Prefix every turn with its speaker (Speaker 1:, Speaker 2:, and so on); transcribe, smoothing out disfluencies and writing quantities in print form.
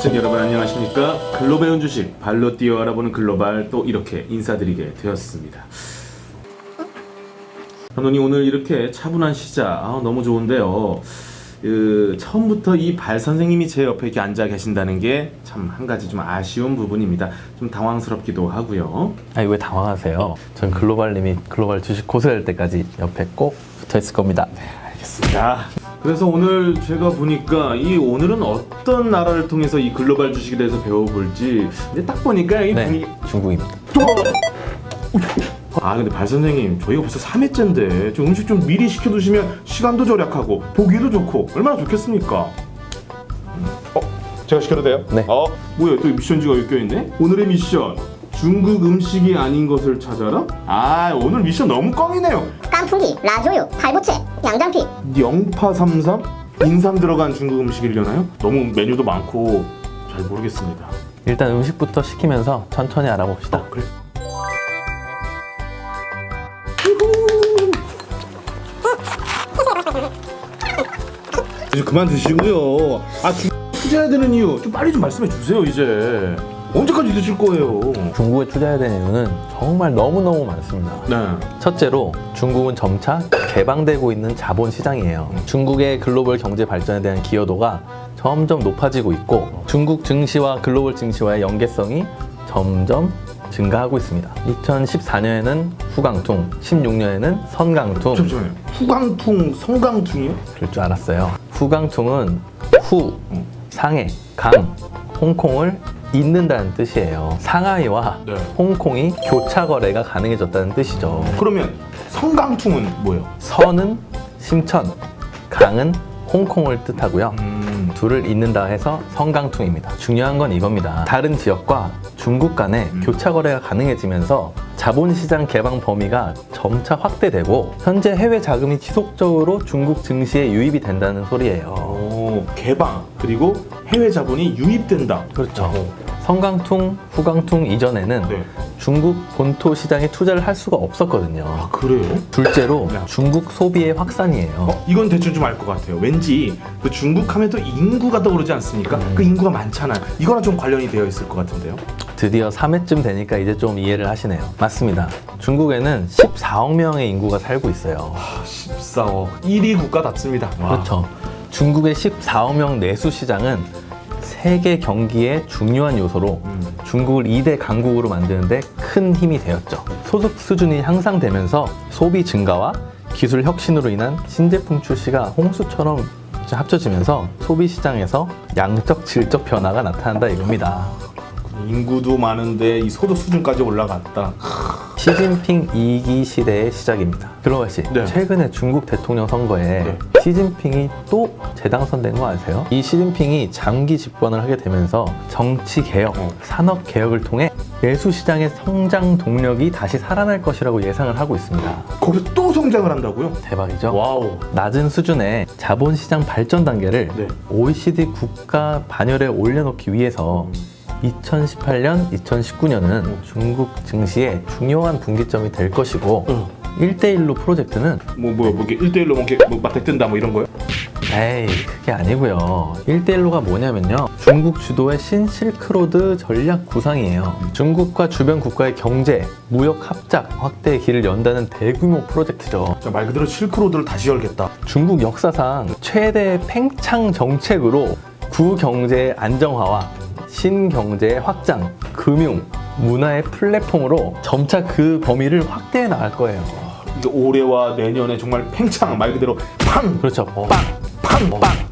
Speaker 1: 시청자 여러분 안녕하십니까? 글로 배운 주식 발로 뛰어 알아보는 글로발 또 이렇게 인사드리게 되었습니다. 현원이 오늘 이렇게 차분한 시작 너무 좋은데요. 처음부터 이 발 선생님이 제 옆에 이렇게 앉아 계신다는 게 참 한 가지 좀 아쉬운 부분입니다. 좀 당황스럽기도 하고요.
Speaker 2: 아니 왜 당황하세요? 전 글로발님이 글로벌 주식 고수될 때까지 옆에 꼭 붙어 있을 겁니다.
Speaker 1: 네, 알겠습니다. 그래서 오늘 제가 보니까 오늘은 어떤 나라를 통해서 이 글로벌 주식에 대해서 배워볼지 근데 딱 보니까 이 분위기
Speaker 2: 중국입니다.
Speaker 1: 근데 발 선생님 저희가 벌써 3회째인데 좀 음식 좀 미리 시켜두시면 시간도 절약하고 보기도 좋고 얼마나 좋겠습니까? 제가 시켜도 돼요?
Speaker 2: 네.
Speaker 1: 뭐야 또 미션지가 여기 껴있네? 오늘의 미션 중국 음식이 아닌 것을 찾아라? 오늘 미션 너무 꽝이네요.
Speaker 3: 깐풍기, 라조유, 팔보채, 양장피.
Speaker 1: 영파 삼삼? 인삼 들어간 중국 음식이려나요? 너무 메뉴도 많고 잘 모르겠습니다.
Speaker 2: 일단 음식부터 시키면서 천천히 알아봅시다.
Speaker 1: 그래. 이제 그만 드시고요. 투자해야 되는 이유 좀 빨리 좀 말씀해 주세요. 이제 언제까지 드실 거예요?
Speaker 2: 중국에 투자해야 되는 이유는 정말 너무너무 많습니다.
Speaker 1: 네.
Speaker 2: 첫째로 중국은 점차 개방되고 있는 자본 시장이에요. 중국의 글로벌 경제 발전에 대한 기여도가 점점 높아지고 있고 중국 증시와 글로벌 증시와의 연계성이 점점 증가하고 있습니다. 2014년에는 후강퉁, 16년에는 선강퉁.
Speaker 1: 잠시만요. 후강퉁, 성강퉁이요?
Speaker 2: 그럴 줄 알았어요. 후강퉁은 후, 상해, 강, 홍콩을 잇는다는 뜻이에요. 상하이와
Speaker 1: 네.
Speaker 2: 홍콩이 교차 거래가 가능해졌다는 뜻이죠.
Speaker 1: 그러면 성강퉁은 뭐예요?
Speaker 2: 선은 심천, 강은 홍콩을 뜻하고요. 둘을 잇는다 해서 성강퉁입니다. 중요한 건 이겁니다. 다른 지역과 중국 간에 교차 거래가 가능해지면서 자본시장 개방 범위가 점차 확대되고 현재 해외 자금이 지속적으로 중국 증시에 유입이 된다는 소리예요.
Speaker 1: 개방 그리고 해외 자본이 유입된다.
Speaker 2: 그렇죠. 성강퉁, 후강퉁 이전에는
Speaker 1: 네.
Speaker 2: 중국 본토 시장에 투자를 할 수가 없었거든요.
Speaker 1: 그래요?
Speaker 2: 둘째로
Speaker 1: 네.
Speaker 2: 중국 소비의 확산이에요.
Speaker 1: 이건 대충 좀 알 것 같아요. 왠지 그 중국 하면 또 인구가 떠오르지 않습니까? 그 인구가 많잖아요. 이거랑 좀 관련이 되어 있을 것 같은데요.
Speaker 2: 드디어 3회쯤 되니까 이제 좀 이해를 하시네요. 맞습니다. 중국에는 14억 명의 인구가 살고 있어요.
Speaker 1: 14억 1위 국가답습니다.
Speaker 2: 그렇죠. 중국의 14억 명 내수 시장은 세계 경기의 중요한 요소로 중국을 2대 강국으로 만드는데 큰 힘이 되었죠. 소득 수준이 향상되면서 소비 증가와 기술 혁신으로 인한 신제품 출시가 홍수처럼 합쳐지면서 소비 시장에서 양적 질적 변화가 나타난다 이겁니다.
Speaker 1: 인구도 많은데 이 소득 수준까지 올라갔다.
Speaker 2: 시진핑 2기 시대의 시작입니다. 글로벌 씨,
Speaker 1: 네.
Speaker 2: 최근에 중국 대통령 선거에
Speaker 1: 네.
Speaker 2: 시진핑이 또 재당선된 거 아세요? 이 시진핑이 장기 집권을 하게 되면서 정치 개혁, 산업 개혁을 통해 내수 시장의 성장 동력이 다시 살아날 것이라고 예상을 하고 있습니다.
Speaker 1: 거기서 또 성장을 한다고요?
Speaker 2: 대박이죠?
Speaker 1: 와우.
Speaker 2: 낮은 수준의 자본시장 발전 단계를
Speaker 1: 네.
Speaker 2: OECD 국가 반열에 올려놓기 위해서 2018년, 2019년은 중국 증시의 중요한 분기점이 될 것이고 1대1로 프로젝트는
Speaker 1: 뭐 이렇게 1대1로 뭐 맞대 뜬다 뭐 이런 거요?
Speaker 2: 에이 그게 아니고요. 1대1로가 뭐냐면요. 중국 주도의 신실크로드 전략 구상이에요. 중국과 주변 국가의 경제, 무역 합작 확대의 길을 연다는 대규모 프로젝트죠.
Speaker 1: 말 그대로 실크로드를 다시 열겠다.
Speaker 2: 중국 역사상 최대 팽창 정책으로 구경제의 안정화와 신경제의 확장, 금융, 문화의 플랫폼으로 점차 그 범위를 확대해 나갈 거예요.
Speaker 1: 이게 올해와 내년에 정말 팽창 말 그대로 팡!
Speaker 2: 그렇죠.
Speaker 1: 빵! 팡! 빵!